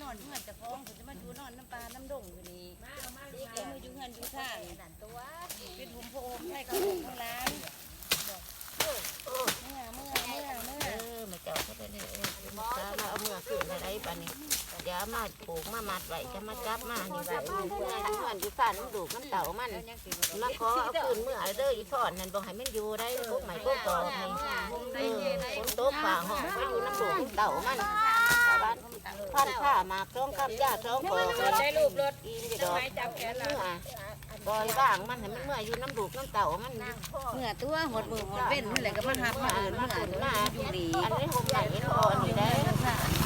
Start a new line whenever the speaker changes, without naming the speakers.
อนเฮือนจะฟ้องผมจะมาดูนอนน้ำปลาน้ำดงอยู่นี่ที่แกมืออยู่เฮือนอยู่ข้างเป็นผมโพมให้เขาผมข้างร้านเมื่อ
มาเจ้าเขาไปเลยมาเอาเมื่อขึ้นอะไรปานนี้เดี๋ยวมาปลูกมามัดไว้จะมาจับมานี่ไว้เมื่ออยู่ฝันดูมันเต่ามันมาขอเอาขึ้นเมื่อเด้ออีพ่อนนั่นบอกให้มันอยู่ได้พวกใหม่พวกต่อให้คนโต๊ะฝ่าห้องไปอยู่น้ำดูเต่ามันพันผ้ามาคล้องคำยาคล้องคอได้รูปรถอีนดอกเมื่อบอยบ้างมันให้มันเมื่ออยู่น้ำดูน้ำเต่ามัน
เมื่อตัวหดมือหดเว้นนี่แหละก็มาหับมาเอิญมาอยู่ดี
อันนี้ผมใหญ่พอนี่ได้